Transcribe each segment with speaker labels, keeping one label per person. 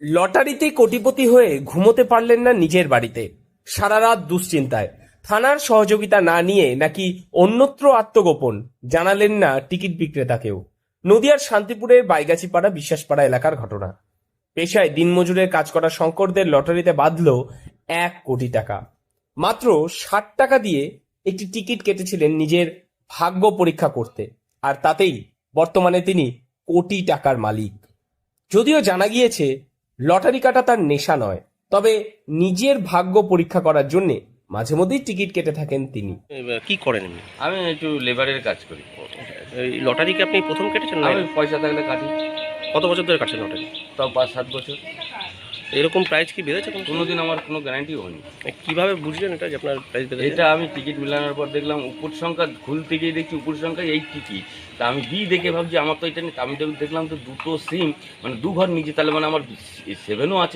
Speaker 1: লটারিতে কোটিপতি হয়ে ঘুমোতে পারলেন না নিজের বাড়িতে, সারা রাত দুশ্চিন্তায়। থানার সহযোগিতা না নিয়ে নাকি অন্যত্র আত্মগোপন জানালেন না টিকিট বিক্রেতাকেও। নদিয়ার শান্তিপুরের বাইগাছিপাড়া বিশ্বাসপাড়া এলাকার ঘটনা। পেশায় দিনমজুরের কাজ করা শঙ্করদের লটারিতে বাঁধল 1 কোটি টাকা। মাত্র 60 টাকা দিয়ে একটি টিকিট কেটেছিলেন নিজের ভাগ্য পরীক্ষা করতে, আর তাতেই বর্তমানে তিনি কোটি টাকার মালিক। যদিও জানা গিয়েছে লটারি কাটা তার নেশা নয়, তবে নিজের ভাগ্য পরীক্ষা করার জন্য মাঝে মধ্যেই টিকিট কেটে থাকেন তিনি।
Speaker 2: কি করেন এমনি?
Speaker 3: আমি একটু লেবারের কাজ করি।
Speaker 2: এই লটারি কি আপনি প্রথম কেটেছেন না?
Speaker 3: আমি পয়সা থাকলে কাটি।
Speaker 2: কত বছর ধরে কাটছেন লটারি?
Speaker 3: তাও 5-7 বছর।
Speaker 2: এরকম প্রাইস কি বেড়েছে
Speaker 3: কোনোদিন আমার কোনো গ্যারান্টি হয়নি।
Speaker 2: কিভাবে বুঝলেন এটা যে আপনার প্রাইস বেড়েছে?
Speaker 3: এটা আমি টিকিট মিলানোর পর দেখলাম উপর সংখ্যা খুলতে গিয়ে দেখছি উপর সংখ্যা এই টিকিট। তা আমি বি দেখে ভাবছি আমার তো এটা নেই। আমি দেখলাম তো দুটো সিম, মানে 2 ঘর নিচে, তাহলে মানে আমার 7ও আছে।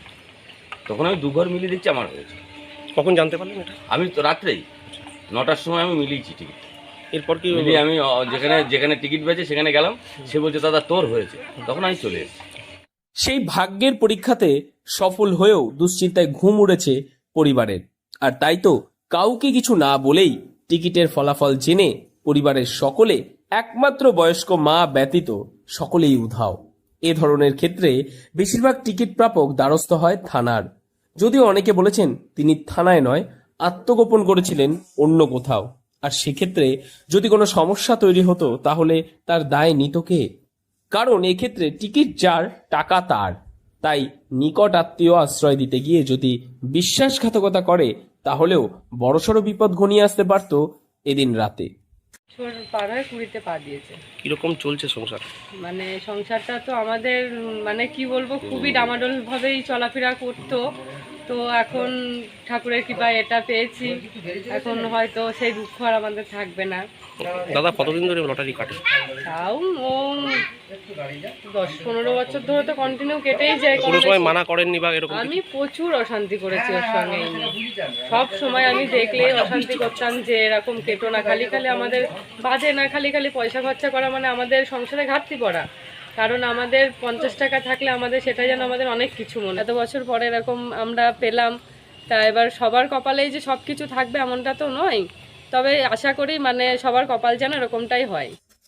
Speaker 3: তখন আমি 2 ঘর মিলিয়ে দেখছি আমার হয়েছে।
Speaker 2: কখন জানতে পারলেন এটা?
Speaker 3: আমি তো রাত্রেই 9টার সময় আমি মিলিয়েছি টিকিট।
Speaker 2: এরপর কি
Speaker 3: মিলিয়ে আমি যেখানে টিকিট বেচে সেখানে গেলাম, সে বলছে দাদা তোর হয়েছে। তখন আমি চলে এসেছি।
Speaker 1: সেই ভাগ্যের পরীক্ষাতে সফল হয়েও দুশ্চিন্তায় ঘুম উড়েছে পরিবারের। আর তাই তো কাউকে কিছু না বলেই টিকিটের ফলাফল জেনে পরিবারের সকলে, একমাত্র বয়স্ক মা ব্যতীত সকলেই উধাও। এ ধরনের ক্ষেত্রে বেশিরভাগ টিকিট প্রাপক দ্বারস্থ হয় থানার। যদিও অনেকে বলেছেন তিনি থানায় নয়, আত্মগোপন করেছিলেন অন্য কোথাও। আর সেক্ষেত্রে যদি কোনো সমস্যা তৈরি হতো তাহলে তার দায় নিত কে? কারণ এক্ষেত্রে টিকিট যার, টাকা তার। তাই নিকট আত্মীয় আশ্রয় দিতে গিয়ে যদি বিশ্বাসঘাতকতা করে তাহলেও বড়সড় বিপদ ঘনিয়ে আসতে পারত এদিন রাতে।
Speaker 4: পার হয়ে 20-তে পা দিয়েছে।
Speaker 2: কিরকম চলছে সংসার?
Speaker 4: মানে সংসারটা তো আমাদের মানে কি বলবো, খুবই ডামাডোল ভাবেই চলাফেরা করতো। তো এখন ঠাকুরের কৃপায় এটা পেয়েছি, এখন হয়তো সেই দুঃখ আর আমাদের থাকবে না।
Speaker 2: দাদা কতদিন ধরে লটারি কাটে?
Speaker 4: তাও ও 10-15 বছর ধরে তো কন্টিনিউ কেটেই যায়।
Speaker 2: কোনো সময় মানা করেননি বা এরকম?
Speaker 4: আমি প্রচুর অশান্তি করেছি ওর সঙ্গে। সব সময় আমি দেখলে অশান্তি করতাম যে এরকম কেটো না, খালি খালি আমাদের বাজে না, খালি খালি পয়সা খরচা করা মানে আমাদের সংসারে ঘাটতি পড়া। কারণ আমাদের 50 টাকা থাকলে আমাদের সেটা যেন আমাদের অনেক কিছু মনে। এত বছর পরে এরকম আমরা পেলাম, তা এবার সবার কপালেই যে সব কিছু থাকবে এমনটা তো নয়, তবে আশা করি মানে সবার কপাল যেন এরকমটাই হয়।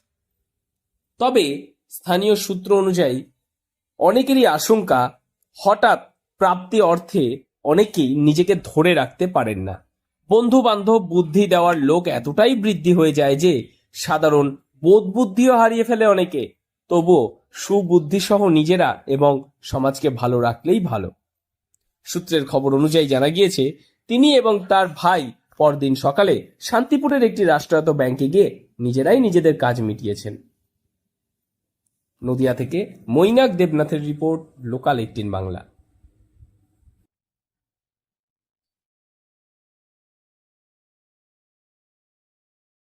Speaker 1: তবে স্থানীয় সূত্র অনুযায়ী অনেকেরই আশঙ্কা, হঠাৎ প্রাপ্তি অর্থে অনেকেই নিজেকে ধরে রাখতে পারেন না। বন্ধু বান্ধব বুদ্ধি দেওয়ার লোক এতটাই বৃদ্ধি হয়ে যায় যে সাধারণ বোধ বুদ্ধিও হারিয়ে ফেলে অনেকে। তবুও সুবুদ্ধি সহ নিজেরা এবং সমাজকে ভালো রাখলেই ভালো। সূত্রের খবর অনুযায়ী জানা গিয়েছে তিনি এবং তার ভাই পরদিন সকালে শান্তিপুরের একটি রাষ্ট্রায়ত্ত ব্যাংকে গিয়ে নিজেরাই নিজেদের কাজ মিটিয়েছেন। নদিয়া থেকে মৈনাক দেবনাথের রিপোর্ট, লোকাল 18 বাংলা।